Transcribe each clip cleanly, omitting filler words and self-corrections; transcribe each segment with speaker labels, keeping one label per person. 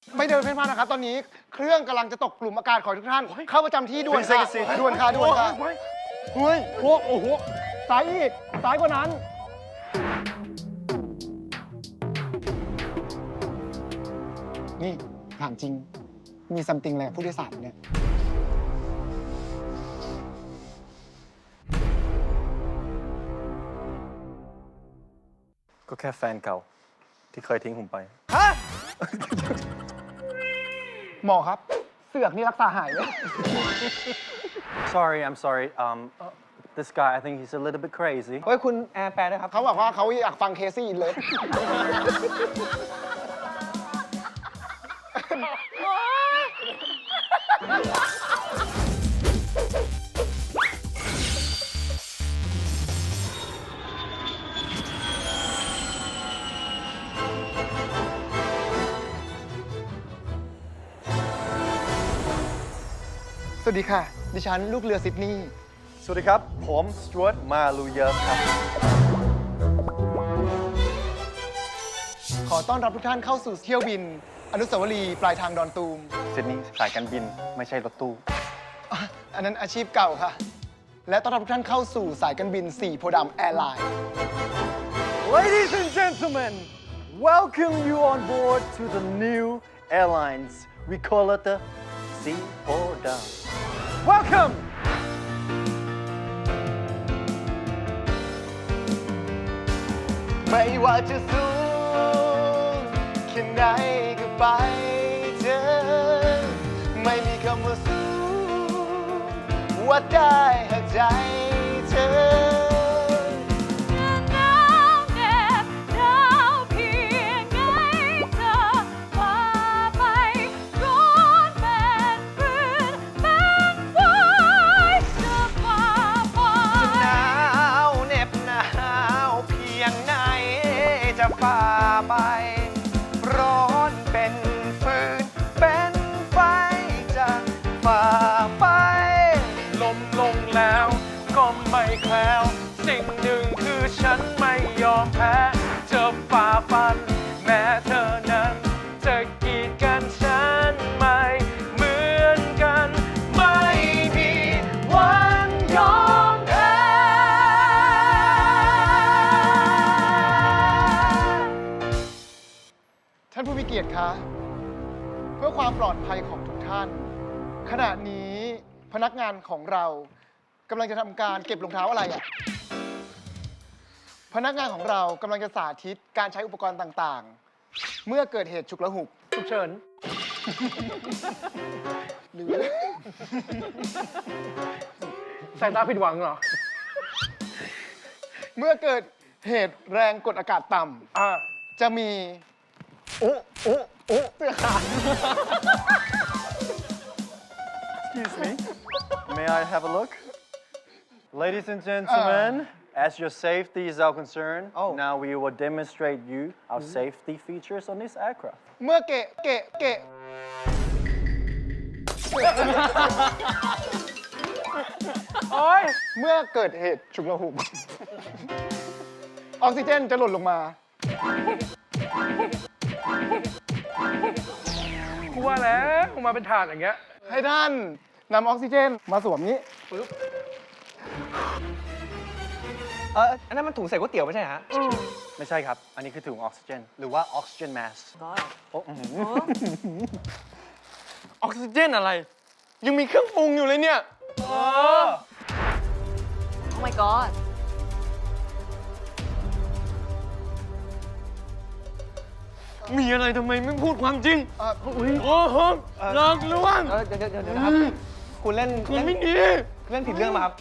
Speaker 1: ไม่เดินเพ่นพ่านนะครับ ตอนนี้เครื่องกำลังจะตกกลุ่มอากาศขอทุกท่าน เข้าประจำที่ด่วนค่ะด่วนค่ะด่วนค่ะเฮ้ยโอ้โหซ้ายอีกซ้ายกว่านั้น นี่ถามจริง มีซัมติงอะไรกับผู้โดยสารเนี่ย
Speaker 2: ก็แค่แฟนเก่าที่เคยทิ้งผมไป
Speaker 1: ฮะ หมอครับ เสือกนี่รักษาหายเลย
Speaker 2: Sorry I'm sorry this guy I think he's a little bit crazy
Speaker 3: เฮ้ยคุณแอร์แปลด้วยครับ
Speaker 1: เขาบอกว่าเขาอยากฟังเคซี่เลย สวัสดีค่ะ ดิฉันลูกเรือซิดนีย์
Speaker 2: สวัสดีครับ ผมสจวตมาลูเยอร์ครับ
Speaker 1: ขอต้อนรับทุกท่านเข้าสู่เที่ยวบิน อนุสาวรีย์ปลายทางดอนตูม
Speaker 2: ซิดนีย์สายการบินไม่ใช่รถตู้
Speaker 1: อันนั้นอาชีพเก่าค่ะ และต้อนรับทุกท่านเข้าสู่สายการบิน 4 โพธิ์ดำแอร์ไลน์
Speaker 2: Ladies and gentlemen welcome you on board to the new airlines we call it the Sea Podam Welcome
Speaker 1: ไม่ว่าจะสูงแค่ไหนก็ไปเจอ ไม่มีคำว่าสูงวัดได้หากใจเธอ
Speaker 4: หนาวเหน็บหนาวเพียงไงเธอฝ่าไปร้อนเป็นฟืนเป็นไฟจะฝ่าไป
Speaker 1: หนาวเหน็บหนาวเพียงไหนจะฝ่าไป ร้อนเป็นฟืนเป็นไฟจะฝ่าไป
Speaker 5: ลมลงแล้วก็ไม่แคล้วสิ่งหนึ่งคือฉันไม่ยอมแพ้จะฝ่าฟัน แม้เธอนั้นจะกีดกันฉันไม่เหมือนกัน ไม่มีวันยอมแพ้
Speaker 1: ท่านผู้มีเกียรติคะเพื่อความปลอดภัยของทุกท่าน ขณะนี้พนักงานของเรากำลังจะทำการเก็บรองเท้าอะไรอ่ะ พนักงานของเรากำลังจะสาธิตการใช้อุปกรณ์ต่างๆ เมื่อเกิดเหตุฉุกละหุก
Speaker 5: ฉุกเฉิน
Speaker 1: หรือ
Speaker 5: สายตาผิดหวังเหรอ
Speaker 1: เมื่อเกิดเหตุแรงกดอากาศต่ำจะมีโอ้เสื้อขาด
Speaker 2: Excuse me May I have a look Ladies and gentlemen as your safety is our concern now we will demonstrate you our safety features on this aircraft
Speaker 1: เมื่อเกะ
Speaker 5: โอ๊ย
Speaker 1: เมื่อเกิดเหตุฉุกละหุก ออกซิเจนจะหล่นลงมา
Speaker 5: กูว่าแล้วกูมาเป็นถาดอย่างเงี้ย
Speaker 1: ให้ท่านนำออกซิเจนมาสวมนี้
Speaker 3: อันนั้นมันถุงใส่ก๋วยเตี๋ยวไม่ใช่ฮะ
Speaker 2: ไม่ใช่ครับ อันนี้คือถุงออกซิเจน หรือว่าออกซิเจนแมสโอ้อื้อหือ
Speaker 5: ออกซิเจนอะไร ยังมีเครื่องปรุงอยู่เลยเนี่ย
Speaker 4: Oh my god
Speaker 5: มีอะไรทำไมไม่พูดความจริง
Speaker 1: อุ๊ย
Speaker 5: โอ้โหหลอกลวง
Speaker 3: เดี๋ยวนะครับ คุณเล่น
Speaker 5: คุณไม่ดี
Speaker 3: เล่นผิดเรื่องมาครับ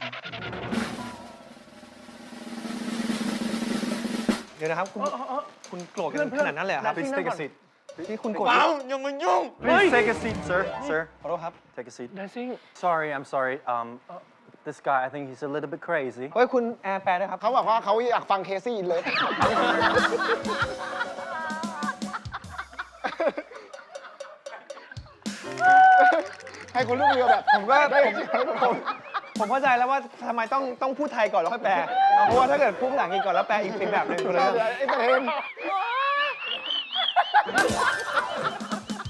Speaker 3: เดี๋ยวนะครับ คุณโกรธกันขนาดนั้นเลยเหรอครับ
Speaker 2: Please take a seat
Speaker 3: ที่คุณโกรธ
Speaker 5: เปล่าอย่ามายุ่ง
Speaker 2: Please take a seat sir
Speaker 3: ขอโทษครับ
Speaker 2: take a seat
Speaker 5: ได้ซิ่ง
Speaker 2: Sorry I'm sorry this guy I think he's a little bit crazy
Speaker 3: เฮ้ยคุณแอร์แปลด้วยครับ
Speaker 1: เขาบอกว่าเขาอยากฟังเคซี่เลย ให้คนลูกเรือแบบ
Speaker 3: ผมก็ผมเข้าใจแล้วว่าทำไมต้องพูดไทยก่อนแล้วค่อยแปล เพราะว่าถ้าเกิดพูดภาษาอังกฤษก่อนแล้วแปลอีกเป็นแบบหนึงคนละเรื่อง
Speaker 1: ไอ้เตน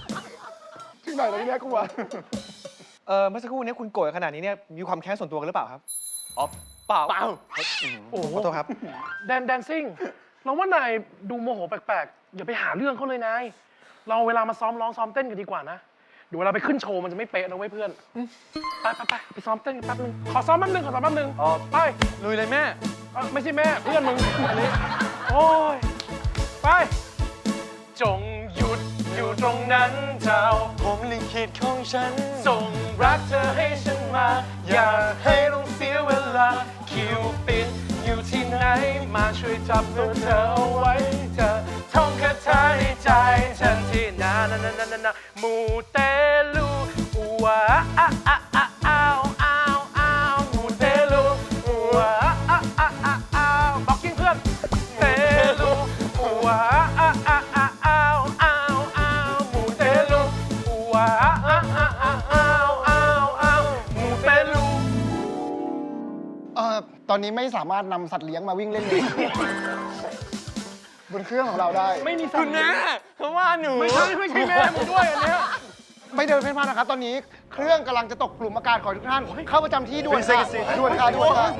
Speaker 1: หน่อยเลยเนี่ยกูอะ
Speaker 3: เมื่อสักครู่นี้คุณโกรธขนาดนี้เนี่ยมีความแค้นส่วนตัวกันหรือเปล่าครับ
Speaker 5: อ๋อเปล่า
Speaker 3: โอ้ขอโทษครับ
Speaker 5: แดนซิ่งเราว่านายดูโมโหแปลกๆ อย่าไปหาเรื่องเขาเลยนาย เราเวลามาซ้อมร้องซ้อมเต้นกันดีกว่านะเดี๋ยวเวลาไปขึ้นโชว์มันจะไม่เป๊ะนะเว้ยเพื่อน ไปซ้อมเต้นกันแป๊บนึง ขอซ้อมแป๊บนึงไป
Speaker 2: ลุยเลยแม่
Speaker 5: ไม่ใช่แม่เพื่อนมึงอันนี้ โอ้ย ไป จงหยุดอยู่ตรงนั้นเจ้า
Speaker 2: ผมลิขิตของฉัน
Speaker 5: ส่งรักเธอให้ฉันมา อย่าให้ต้องเสียเวลา คิวปิดอยู่ที่ไหน มาช่วยจับตัวเธอเอาไว้ เธอท่องคาถาในใจฉันที่นามูเตลูวะอ้าวมูเตลูวะอ้าวบอกกิ้งเพื่อนเตลูวะอ้าวมูเตลูวะมูเตลู
Speaker 1: ตอนนี้ไม่สามารถนำสัตว์เลี้ยงมาวิ่งเล่นเลย บนเครื่องของเราได้
Speaker 5: ไม่มีสัตว์
Speaker 2: เขาว่าหนู
Speaker 5: ไม่ใช่แม่มึงด้วยอันเนี้ย
Speaker 1: ไม่เดินเพ่นพ่านนะครับ ตอนนี้เครื่องกำลังจะตกกลุ่มอากาศของทุกท่าน เข้าประจำที่ด่วน
Speaker 2: เป็น
Speaker 1: ค่ะ
Speaker 2: เซ็กซี่
Speaker 1: ด่วนค่ะด่วนค่ะ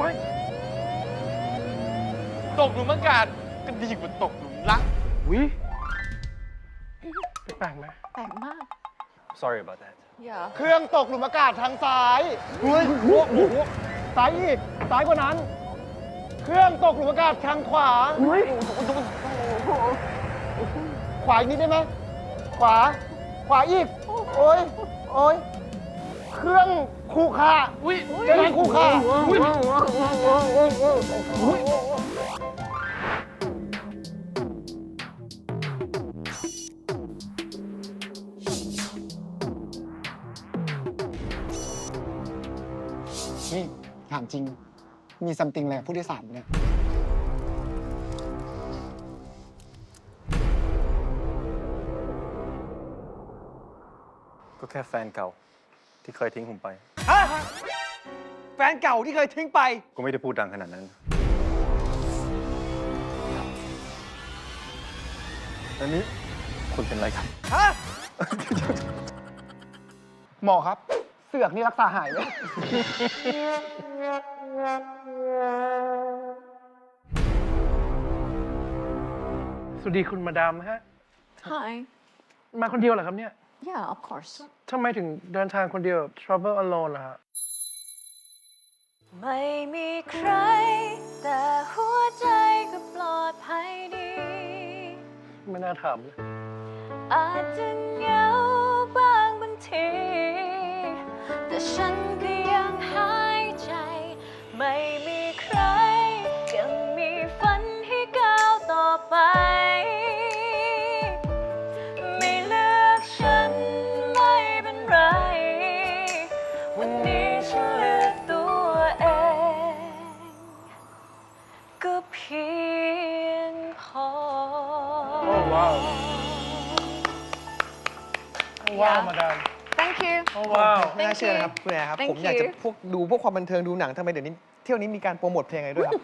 Speaker 2: ตกหลุมอากาศก็ดีกว่าตกหลุมรัก
Speaker 5: วิแปลกไหม
Speaker 4: แปลกมาก
Speaker 2: Sorry about that
Speaker 4: อย่า
Speaker 1: เครื่องตกหลุมอากาศทางซ้ายเฮ้ยซ้ายอีกซ้ายกว่านั้น เครื่องตกหลุมอากาศทางขวาขวาอีกนิดได้ไหมขวาอีก โอ้ยเครื่องคู่ค่า
Speaker 5: อุ้ย
Speaker 1: เจะทางคู่ค่านี่ถามจริง มีซัมติงอะไรกับผู้โดยสารไหมเนี่ย
Speaker 2: ก็แค่แฟนเก่าที่เคยทิ้งผมไป
Speaker 3: ฮะ แฟนเก่าที่เคยทิ้งไป
Speaker 2: ก็ไม่ได้พูดดังขนาดนั้นอันนี้คุณเป็นไรครับ
Speaker 3: ฮะ
Speaker 1: หมอครับ เสือกนี่รักษาหายไหม
Speaker 5: สวัสดีคุณมาดามฮะ
Speaker 4: Hi
Speaker 5: มาคนเดียวเหรอครับเนี่ย
Speaker 4: yeah of course
Speaker 5: ทำไมถึงเดินทางคนเดียว travel alone ล่ะฮะ
Speaker 4: ไม่มีใคร แต่หัวใจก็ปลอดภัยดี
Speaker 5: ไม่น่าถามเลย
Speaker 4: อาจจะเหงาบ้างบางที แต่ฉันก็ยังหายใจ ไม่มีใคร ยังมีฝันให้ก้าวต่อไป ไม่เลือกฉันไม่เป็นไร วันนี้ฉันเลือกตัวเอง ก็เพียงพอ
Speaker 5: โอ้ว้าว ว้าวมาดาม
Speaker 4: Thank you
Speaker 5: โอ้ว้าว
Speaker 3: ไม่น่าเชื่อนะครับคุณแอร์ครับ
Speaker 4: Thank
Speaker 3: ผมอยากจะ
Speaker 4: you
Speaker 3: ดูพวกความบันเทิงดูหนังทำไมเดี๋ยวนี้เที่ยวนี้มีการโปรโมทเพลงอะไรด้วยครับ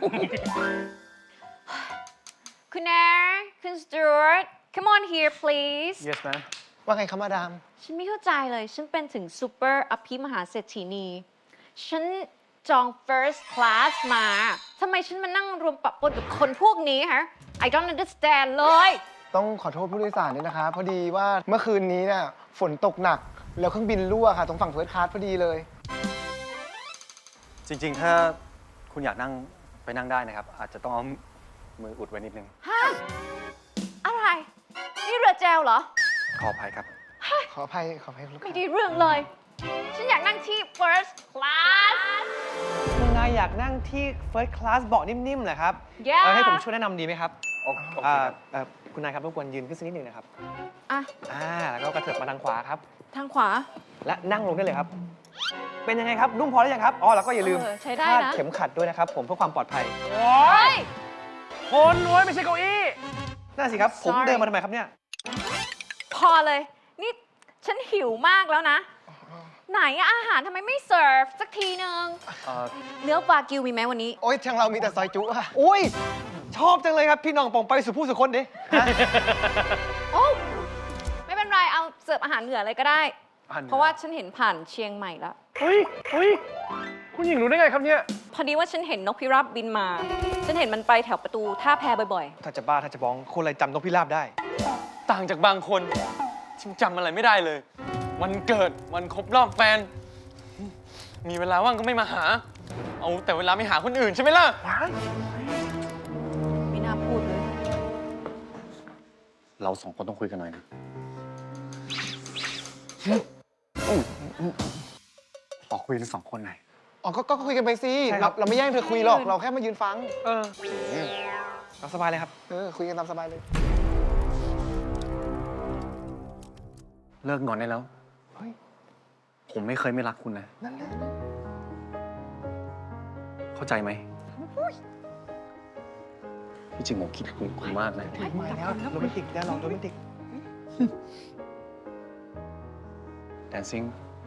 Speaker 4: คุณแอร์คุณสจวต come on here please
Speaker 2: Yes man
Speaker 1: ว่าไงครับมาดาม
Speaker 4: ฉันไม่เข้าใจเลย ฉันเป็นถึงซูเปอร์อภิมหาเศรษฐีนี ฉันจอง first class มา ทำไมฉันมานั่งรวมปะปนกับคนพวกนี้ฮะ I don't understand เลย
Speaker 1: ต้องขอโทษผู้โดยสารด้วยนะคะ พอดีว่าเมื่อคืนนี้เนี่ยฝนตกหนัก แล้วเครื่องบินรั่วค่ะ ตรงฝั่งเฟิร์สคลาสพอดีเลย
Speaker 2: จริงๆ ถ้าคุณอยากนั่งไปนั่งได้นะครับ อาจจะต้องเอามืออุดไว้นิดนึง
Speaker 4: ฮะ อะไร นี่เรือแจวเหรอ
Speaker 2: ขออภัยครับ
Speaker 1: ขออภัยลูก
Speaker 4: ไม่
Speaker 1: ค้า
Speaker 4: ได้เรื่องเลย ฉันอยากนั่งที่ first class
Speaker 3: คุณนายอยากนั่งที่ first class เบาะนิ่มๆเหรอครับ
Speaker 4: Yeah
Speaker 3: ให้ผมช่วยแนะนำดีไหมครับ
Speaker 2: โอเค
Speaker 3: อ่า
Speaker 2: ครับ
Speaker 3: คุณนายครับรบกวนยืนขึ้นสักนิดหนึ่งนะครับ
Speaker 4: อ่ะ
Speaker 3: แล้วก็กระเถิบมาทางขวาครับ
Speaker 4: ทางขวา
Speaker 3: และนั่งลงได้เลยครับ เป็นยังไงครับ นุ่มพอหรือยังครับ อ๋อ แล้วก็อย่าลืม
Speaker 4: ใช้ได้
Speaker 3: คาด
Speaker 4: นะ
Speaker 3: เข็มขัดด้วยนะครับ ผมเพื่อความปลอดภัย
Speaker 5: โอ้
Speaker 4: เฮ้
Speaker 5: ย
Speaker 4: ย
Speaker 5: คนโว้ยไม่ใช่เก้าอี้
Speaker 3: น่าสิครับ ผม
Speaker 4: Sorry
Speaker 3: เดินมาทำไมครับเนี่ย
Speaker 4: พอเลย นี่ฉันหิวมากแล้วนะ ไหนอะอาหารทำไมไม่เสิร์ฟสักทีนึง เนื้อวากิวมีไหมวันนี้
Speaker 1: โอ๊ยทางเรามีแต่ซอยจุค่ะ
Speaker 3: โอ้ย ชอบจังเลยครับ พี่น้องป่องไปสู่ผู้สุคนดิ
Speaker 4: โอ้ไม่เป็นไร เอาเสิร์ฟอาหารเหนือเลยก็ได้เพราะว่าฉันเห็นผ่านเชียงใหม่แล้ว
Speaker 5: เฮ้ย คุณหญิงรู้ได้ไงครับเนี่ย
Speaker 4: พอดีว่าฉันเห็นนกพิราบบินมา ฉันเห็นมันไปแถวประตูท่าแพบ่อย
Speaker 3: ถ้าจะบ้าถ้าจะบ้องคนอะไรจำนกพิราบได้
Speaker 5: ต่างจากบางคนฉันจำอะไรไม่ได้เลย วันเกิดวันครบรอบแฟน มีเวลาว่างก็ไม่มาหา เอาแต่เวลาไม่หาคนอื่นใช่ไหมล่ะ
Speaker 4: ๆ ไม่น่าพูดเลย
Speaker 2: เราสองคนต้องคุยกันหน่อยนะขอคุยกันสองคนหน่อย
Speaker 1: อ๋อก็คุยกันไปสิ
Speaker 3: ใช่ครับ
Speaker 1: เราไม่แย่งเธอคุยหรอก เราแค่มายืนฟัง
Speaker 3: เออเอาสบายเลยครับ
Speaker 1: คุยกันตามสบายเลย
Speaker 2: เลิกงอนได้แล้ว
Speaker 1: เฮ้ย
Speaker 2: ผมไม่เคยไม่รักคุณนะ
Speaker 1: นั่นแหละ
Speaker 2: เข้าใจไหมที่จริงผมคิดถึงคุณมากนะ
Speaker 3: มาแล้วโรแมนติกแล้วเราโรแมนติก
Speaker 2: dancing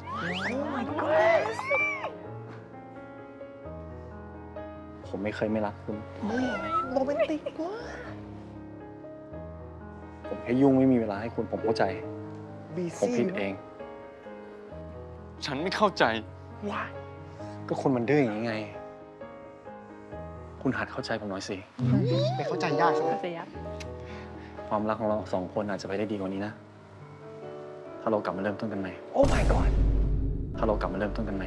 Speaker 2: ผมไม่เคยไม่รักคุณ
Speaker 1: โรแมนติกมาก
Speaker 2: ผมแค่ยุ่งไม่มีเวลาให้คุณ ผมเข้าใจ
Speaker 1: บี
Speaker 2: ผม
Speaker 1: ซี่
Speaker 2: ผิดเอง
Speaker 5: ฉันไม่เข้าใจ
Speaker 2: ก็คนมันดื้ออย่างนี้ไง คุณหัดเข้าใจผมหน่อยสิ
Speaker 1: ไม่เข้าใจยากใช่ไหม
Speaker 4: เสีย
Speaker 2: ความรักของเราสองคนอาจจะไปได้ดีกว่านี้นะ ถ้าเรากลับมาเริ่มต้นกันใหม่
Speaker 3: โอ้ my god
Speaker 2: ถ้าเรากลับมาเริ่มต้นกันใหม่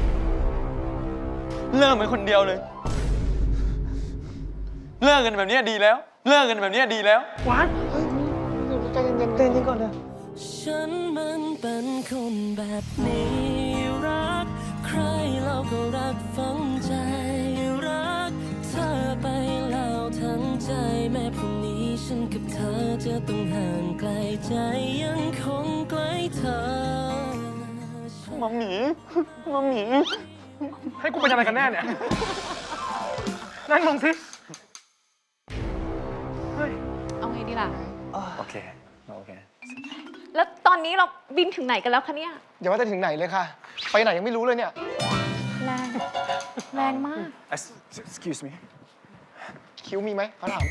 Speaker 5: เลิกเป็นคนเดียวเลย เลิกกันแบบนี้ดีแล้ว เลิกกันแบบนี้ดีแล้ว
Speaker 1: ใจเย็นๆ
Speaker 3: เต้นนี้ก่อนเลย
Speaker 6: ฉันมันเป็นคนแบบนี้รัก ใครเราก็รักฝังใจรัก เธอไปแล้วทั้งใจแม้พรุ่งนี้ฉันกับเธอจะต้องห่างไกลใจยังคงใกล้เธอ
Speaker 5: มัมหมี ให้กูเป็นอะไรกันแน่เนี่ย นั่งลงสิ
Speaker 4: เอาไงดีล่ะ
Speaker 2: โอเค โอเค
Speaker 4: แล้วตอนนี้เราบินถึงไหนกันแล้วคะเนี่ย
Speaker 1: อย่าว่าแต่ถึงไหนเลยค่ะ ไปไหนยังไม่รู้เลยเนี่ย
Speaker 4: แรง แรงมาก
Speaker 2: excuse me
Speaker 1: คิ้วมีไหมเขาถาม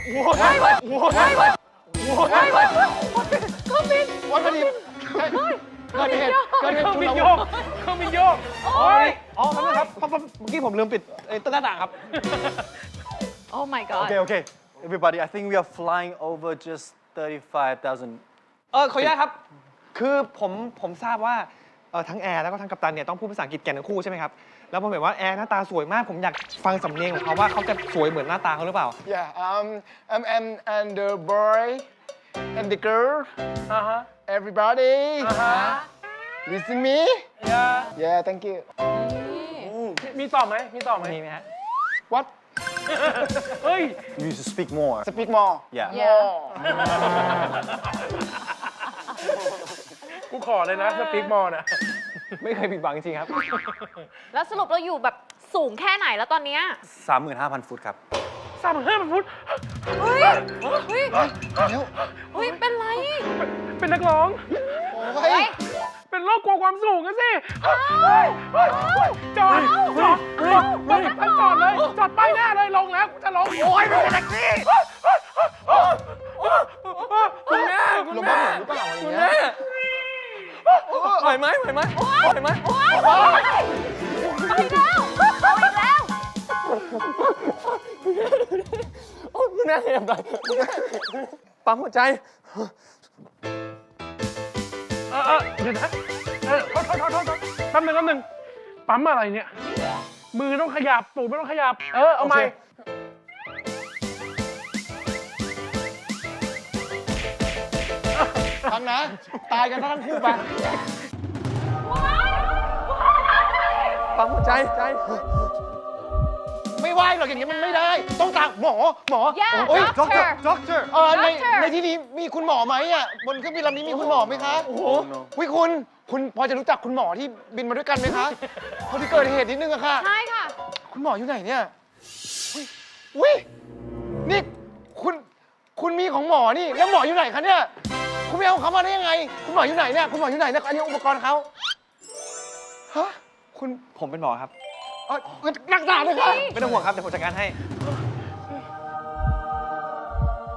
Speaker 4: ก็บิน
Speaker 1: วันพอดีเกิดเหตุชุลมุน
Speaker 5: เครื่องบินโยก
Speaker 3: อ๋อแป๊บนึงครับเพราะเมื่อกี้ผมลืมปิดต้นหน้าต่างครับ
Speaker 4: โอ้ my god
Speaker 2: Okay, okay. Everybody, I think we are flying over just 35,000.
Speaker 3: ขออนุญาตครับ คือผมทราบว่าทั้งแอร์แล้วก็ทั้งกัปตันเนี่ยต้องพูดภาษาอังกฤษแก่นทั้งคู่ใช่ไหมครับ แล้วผมเห็นว่าแอร์หน้าตาสวยมาก ผมอยากฟังสำเนียงของเขาว่าเขาจะสวยเหมือนหน้าตาเขาหรือเปล่า
Speaker 1: Yeah, and the boy and the girl, everybody, listen me. Yeah, thank you.
Speaker 5: มีต่อไหม มีต่อไหม
Speaker 3: มีไหมฮะ
Speaker 1: What?
Speaker 5: เฮ้ย
Speaker 2: You need to speak more.
Speaker 1: Speak more.
Speaker 2: Yeah.
Speaker 4: Yeah.
Speaker 5: กูขอเลยนะสปีกมอลนะ
Speaker 3: ไม่เคยผิดหวังจริงๆครับ
Speaker 4: แล้วสรุปเราอยู่แบบสูงแค่ไหนแล้วตอนเนี้ย
Speaker 2: 35,000 ฟุตครับ
Speaker 5: 3,500 ฟุต
Speaker 4: เฮ้ย เฮ้ย
Speaker 1: แล้ว
Speaker 4: เฮ้ย เป็นไร
Speaker 5: เป็นนักร้อง
Speaker 1: โอ้ย
Speaker 5: เป็นโรคกลัวความสูงกันสิจอดท่านจอดเลย จอดป้ายหน้าเลย ลงแล้วกูจะลง โอ้ยไม่เป็นแท็กซี่คุณแม่
Speaker 1: ลมบ้าหมุนหรือเปล่าอะไร
Speaker 5: คุณ
Speaker 1: เงี้
Speaker 5: แม่
Speaker 1: ย
Speaker 5: ไหวไหมไหวไหมไหวไหม
Speaker 4: เอาอีกแล้วเอาอีกแล้ว
Speaker 5: คุณแม่ขยับหน่อยปั๊มหัวใจเดี๋ยวนะโทษแป๊บนึงปั๊มอะไรเนี่ย มือต้องขยับตูดไม่ต้องขยับ เอาใหม่
Speaker 1: ฟังนะ ตายกันทั้งคู่ไป
Speaker 5: ปั๊มหัวใจ
Speaker 1: ไม่ไหวหรอกอย่างนี้มันไม่ได้ ต้องตามหมอ
Speaker 4: Yeah,
Speaker 1: โอ้ย
Speaker 4: doctor
Speaker 1: doctor ในที่นี้มีคุณหมอไหมอ่ะ บนเครื่องบินลำนี้มีคุณหมอไหมคะ
Speaker 2: โอ้โห
Speaker 1: วิคุณพอจะรู้จักคุณหมอที่บินมาด้วยกันไหมคะพอที่เกิดเหตุนิดนึงอะค่ะ
Speaker 4: ใช่ค่ะ
Speaker 1: คุณหมออยู่ไหนเนี่ยวินี่คุณมีของหมอนี่ แล้วหมออยู่ไหนคะเนี่ย คุณไม่เอาเขามาได้ยังไง คุณหมออยู่ไหนเนี่ย คุณหมออยู่ไหนเนี่ย อันนี้อุปกรณ์เขาฮะ คุณ
Speaker 3: ผมเป็นหมอครับ
Speaker 1: นักด่าเลยค่ะ
Speaker 3: ไม่ต้องห่วงครับ เดี๋ยวผมจัดการให้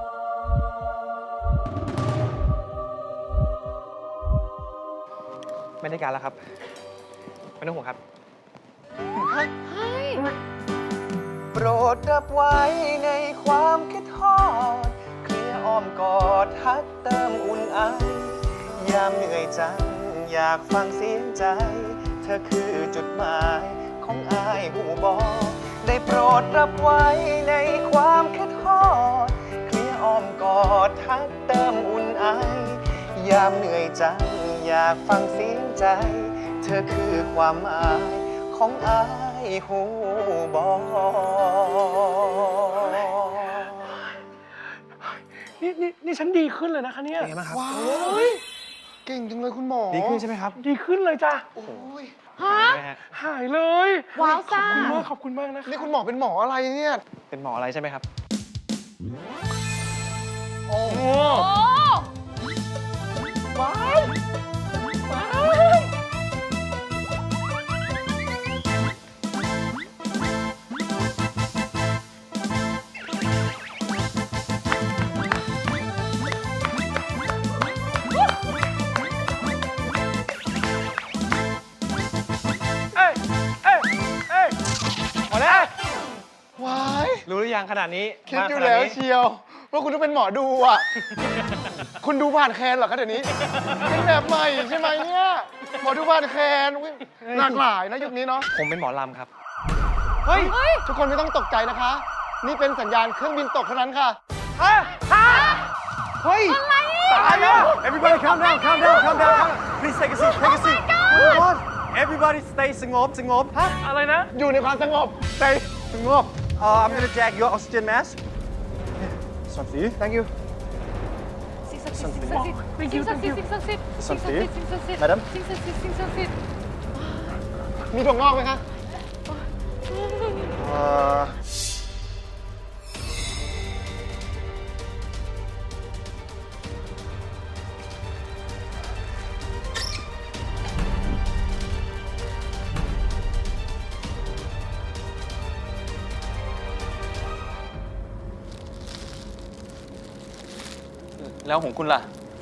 Speaker 1: ค
Speaker 3: ไม่ได้การแล้วครับ ไม่ต้องห่วงครับ
Speaker 2: โปรดรับไว้ในความคิดทอดเคลียร์อ้อมกอดทักเติมอุ่นไอยามเหนื่อยจังอยากฟังเสียงใจ เธอคือจุดหมายของอายหูบอกได้โปรดรับไว้ในความคิดทอดเคลียร์อ้อมกอดทักเติมอุ่นไอยามเหนื่อยจังอยากฟังเสียงใจ เธอคือความหมายของอายหูบอก
Speaker 5: นี่ฉันดีขึ้นเลยนะคะเนี่ย
Speaker 3: เป็นไงบ้างครับ
Speaker 1: ว้าวเก่งจังเลยคุณหมอ
Speaker 3: ดีขึ้นใช่ไหมครับ
Speaker 5: ดีขึ้นเลยจ้ะ
Speaker 1: โอ้ย
Speaker 4: ฮะ
Speaker 3: ใช่ไหมฮะ
Speaker 5: หายเลย
Speaker 4: ว้าวซ่า
Speaker 5: ขอบคุณมากนะคะ
Speaker 1: นี่คุณหมอเป็นหมออะไรเนี่ย
Speaker 3: เป็นหมออะไรใช่ไหมครับ
Speaker 1: โอ้
Speaker 5: โอ้
Speaker 4: โอ้ว้ายว้าย
Speaker 5: เอ้ยเอ้ยเอ้ย
Speaker 3: พอแล้ว
Speaker 1: ว้าย
Speaker 3: รู้หรือยังขนาดนี้
Speaker 1: คิด
Speaker 3: มาก
Speaker 1: อยู่
Speaker 3: ขนาด
Speaker 1: แล้ว
Speaker 3: นี้
Speaker 1: เชียวว่าคุณต้องเป็นหมอดูอ่ะ คุณดูผ่านแคนเหรอคะเดี๋ยวนี้ เป็นแบบใหม่ใช่ไหมเนี่ย หมอดูผ่านแคนอุ๊ยหลากหลายนะยุคนี้เนาะ
Speaker 3: ผมเป็นหมอลำครับ
Speaker 1: เฮ้ย ทุกคนไม่ต้องตกใจนะคะ นี่เป็นสัญญาณเครื่องบินตกเท่านั้นค่ะ
Speaker 3: เฮ้ย ตายแล้ว
Speaker 2: Everybody calm down, calm down, calm down, calm down. Please take a seat, take a seat. Everybody stay สงบสงบ
Speaker 5: อะไรนะ
Speaker 1: อยู่ในความสงบใจ
Speaker 2: สงบI'm gonna jack your oxygen mask. Some for you. Thank you.
Speaker 4: สิ่งศักดิ์สิทธิ์สิ่งศักดิ์สิทธิ์สิ่งศักดิ์สิทธิ์สิ่งศักดิ์สิทธิ์
Speaker 2: สันติ
Speaker 4: สิ่งศักดิ์สิทธิ์
Speaker 2: Madam
Speaker 4: สิ่งศักดิ์สิทธิ์สิ่งศักดิ์สิทธิ์
Speaker 1: มีถั่วงอกไหมคะ
Speaker 5: แล้วของคุณล่ะ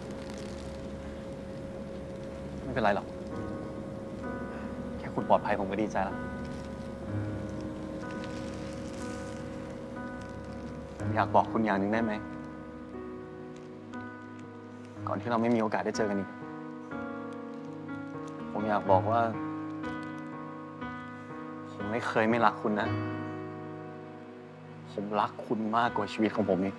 Speaker 2: ไม่เป็นไรหรอก แค่คุณปลอดภัยผมก็ดีใจแล้วผมอยากบอกคุณอย่างหนึ่งได้ไหม ก่อนที่เราไม่มีโอกาสได้เจอกันอีก ผมอยากบอกว่า ผมไม่เคยไม่รักคุณนะ ผมรักคุณมากกว่าชีวิตของผมเอง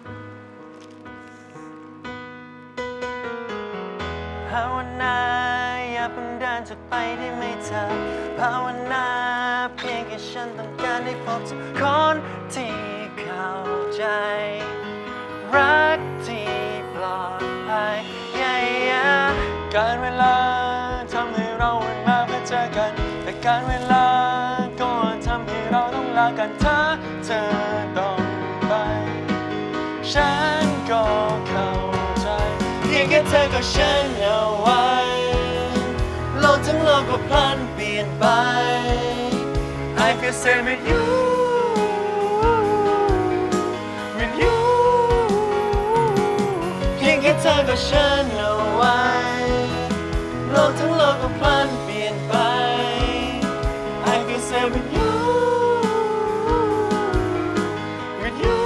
Speaker 2: ภาวนาอย่าเพิ่งเดินจากไปได้ไหมเธอ ภาวนาเพียงแค่ฉันต้องการได้พบสักคนที่เข้าใจ รักที่ปลอดภัยการเวลาทำให้เราวันมาเพื่อเจอกัน แต่การเวลาก็ทำให้เราต้องลากันถ้าเธอต้องไป ฉันก็เข้าใจเพียงแค่เธอกับฉันเอาไว้โลกทั้งโลกก็พลันเปลี่ยนไป I feel same with you with you เพียงแค่เธอกับฉันเอาไว้โลกทั้งโลกก็พลันเปลี่ยนไป I feel same with you with you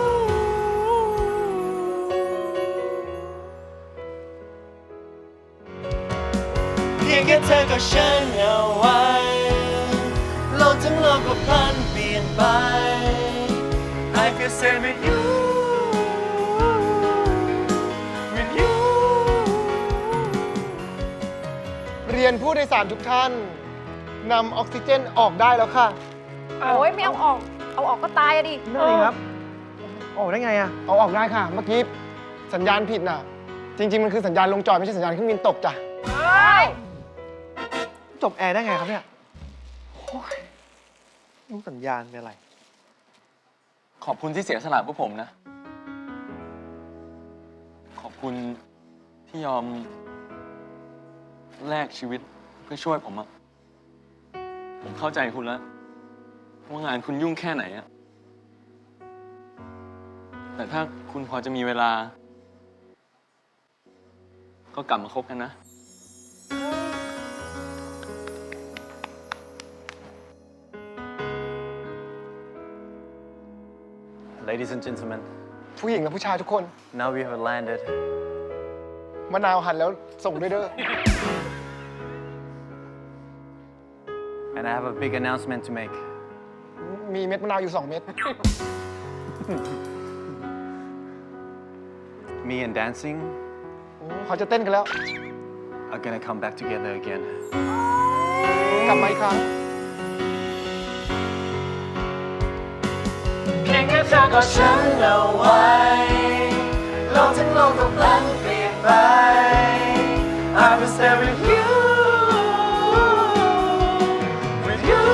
Speaker 2: เพียงแค่เธอกับฉันเอาไว้โลกทั้งโลกก็พลันเปลี่ยนไป I feel same with you with you
Speaker 1: เรียนผู้โดยสารทุกท่านนำออกซิเจนออกได้แล้วค่ะ
Speaker 4: โอ้ยไม่เอาออก เอาออกก็ตายอะดิ
Speaker 3: นั่นเองครับโอ้ได้ไงอะ
Speaker 1: เอาออกได้ค่ะ เมื่อกี้สัญญาณผิดน่ะ จริง ๆ มันคือสัญญาณลงจอดไม่ใช่สัญญาณเครื่องบินตกจ้ะ
Speaker 3: จบแอร์ได้ไงครับเนี่ยโอ้ยรู้สัญญาณเป็นอะไร
Speaker 5: ขอบคุณที่เสียสละพวกผมนะ ขอบคุณที่ยอมแลกชีวิตเพื่อช่วยผมอะผมเข้าใจคุณแล้วว่างานคุณยุ่งแค่ไหนอะแต่ถ้าคุณพอจะมีเวลา ก็กลับมาคบกันนะ
Speaker 2: Ladies and gentlemen,
Speaker 1: ผู้หญิงและผู้ชายทุกคน
Speaker 2: now we have landed.
Speaker 1: มะนาวหั่นแล้วส่งด้วยเด้อ
Speaker 2: And I have a big announcement to make.
Speaker 1: มีเม็ดมะนาวอยู่ 2 เม็ด
Speaker 2: Me and dancing
Speaker 1: เขาจะเต้นกันแล้ว
Speaker 2: are gonna come back together again.
Speaker 1: กลับมาอีกครั้ง
Speaker 5: เพียงแค่เธอก็ฉันเอาไว้โลกทั้งโลกก็พลันเปลี่ยนไป I will stay with you with you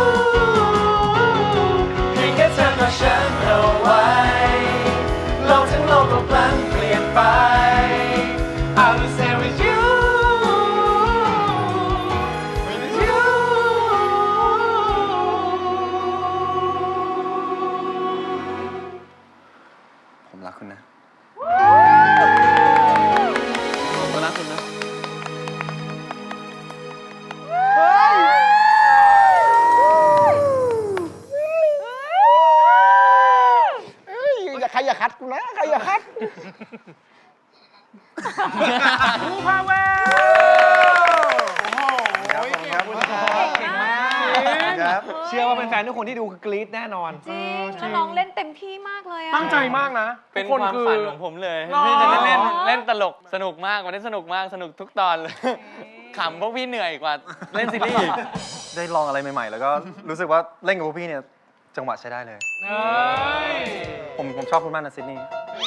Speaker 5: เพียงแค่เธอก็ฉันเอาไว้โลกทั้งโลกก็พลันเปลี่ยนไป I will stay with you with you
Speaker 2: ผมรักคุณนะ
Speaker 3: ผมก็รักคุณนะ
Speaker 1: เอ้ยอย่าใครอย่าคัดกูนะ ใครอย่าคัด
Speaker 2: ครับ
Speaker 3: เชื่อว่าเป็นแฟนทุกคนที่ดูคือกรี๊ดแน่นอน
Speaker 4: จริงแล้วน้องเล่นเต็มที่มากเลยอะ
Speaker 5: ตั้งใจมากนะ
Speaker 7: เป็น
Speaker 5: ทุก
Speaker 7: ความ
Speaker 5: คือ
Speaker 7: ฝันของผมเลย
Speaker 5: หรอ
Speaker 7: ที่จะได้เล่นตลกสนุกมากวันนี้สนุกมากสนุกทุกตอนเลย ขำพวกพี่เหนื่อยกว่าเล่นซีรีส์อีก
Speaker 2: ได้ลองอะไรใหม่ๆ แล้วก็รู้สึกว่าเล่นกับพวกพี่เนี่ยจังหวะใช้ได้เลย
Speaker 5: เอ้ย
Speaker 2: ผมชอบคุณมากนะซิดนีย์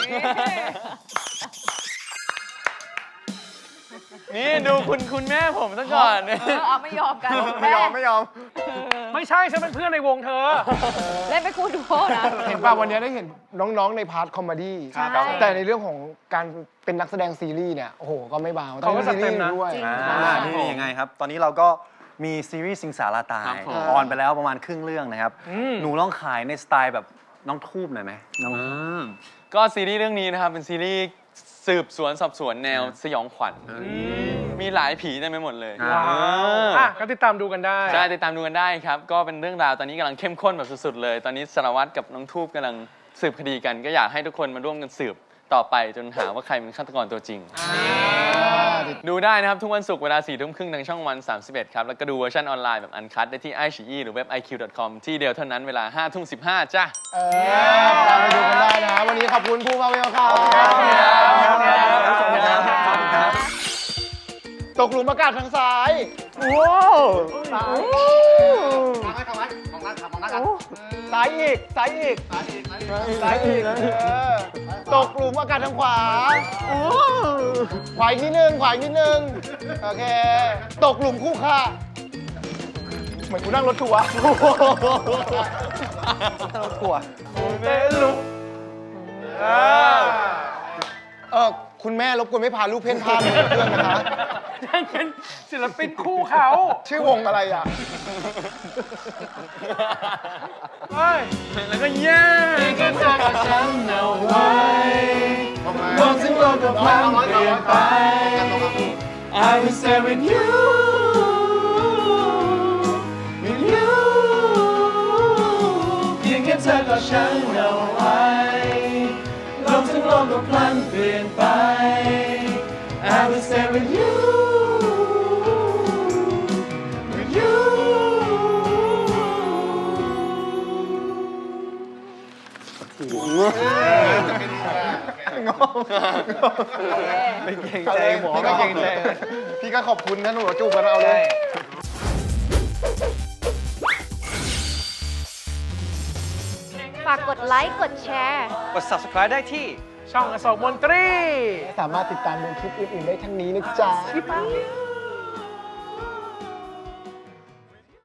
Speaker 7: นี่ดูคุณแม่ผมซะก่อนเนี่ย
Speaker 4: เอาไม่ยอมกัน
Speaker 2: ไม่ยอม
Speaker 5: ไม่ใช่ฉันเป็นเพื่อนในวงเธอ
Speaker 4: เล่นเป็นคู่ดูโอนะ
Speaker 1: เห็นป่ะวันนี้ได้เห็นน้องๆในพาร์ทคอมเมดี้
Speaker 4: ใช่
Speaker 1: แต่ในเรื่องของการเป็นนักแสดงซีรีส์เนี่ย โอ้โห ก็ไม่เบา
Speaker 5: เขาก็จัดเต็มนะ
Speaker 1: ด้วย
Speaker 4: จริง
Speaker 2: นี่ยังไงครับ ตอนนี้เราก็มีซีรีส์สิงสาราตายออนไปแล้วประมาณครึ่งเรื่องนะครับ หนูลองขายในสไตล์แบบน้องทูบหน่อยไหมน้อง
Speaker 7: ก็ซีรีส์เรื่องนี้นะครับเป็นซีรีส์สืบสวนสอบสวนแนวสยองขวัญมีหลายผีเต็มไปหมดเลย
Speaker 5: ว้าวอ่ะก็ติดตามดูกันได้
Speaker 7: ใช่ติดตามดูกันได้ครับ ก็เป็นเรื่องราวตอนนี้กำลังเข้มข้นแบบสุดๆเลย ตอนนี้สารวัตรกับน้องทูบกำลังสืบคดีกัน ก็อยากให้ทุกคนมาร่วมกันสืบต่อไปจนหาว่าใครเป็นฆาตกรตัวจริง ดูได้นะครับ ทุกวันศุกร์เวลา 4 ทุ่มครึ่งทางช่องวัน 31 ครับ แล้วก็ดูเวอร์ชันออนไลน์แบบอันคัดได้ที่ iQIYI หรือเว็บ iq.com ที่เดียวเท่านั้นเวลา 5 ทุ่ม 15 จ้ะ
Speaker 1: ตามไปดูกันได้นะ วันนี้ขอบคุณผู้พาเวลครับตกหลุมอากาศทางซ้ายว้าวซ้ายอีก ซ้ายอีก ซ้ายอีกตกหลุมอากาศทางขวาขวาอีกนิดนึง ขวาอีกนิดนึง โอเค ตกหลุมคู่ค่ะ เหมือนกูนั่งรถทัวร์
Speaker 2: กลัว
Speaker 1: คุณแม่รบกวนไม่พาลูกเพ่นพ่านไปกับเพื่อนนะคะ
Speaker 5: ยังเป็นศิลปินคู่เขา
Speaker 1: ชื่อวงอะไรอ่ะ
Speaker 5: เฮ้ย
Speaker 7: แล้วก็แย่ก็เธอกับฉันเอาไว้โลกทั้งโลกก็พลันเปลี่ยนไป I will stay with you with you เพียงแค่เธอกับฉันเอาไว้โลกทั้งโลกก็พลันเปลี่ยนไป I will stay with you with you
Speaker 2: ไม่เกรงใจหมอ
Speaker 1: พี่ก็เกรงใจพี่ก็ขอบคุณนะหนูจูบกันเอาเลย
Speaker 4: ฝากกดไลค์ กดแชร์
Speaker 3: กด subscribe ได้ที่
Speaker 5: ช่องอโศกมนตรี
Speaker 1: สามารถติดตามดูคลิปอื่นๆได้ทั้งนี้นะจ๊ะ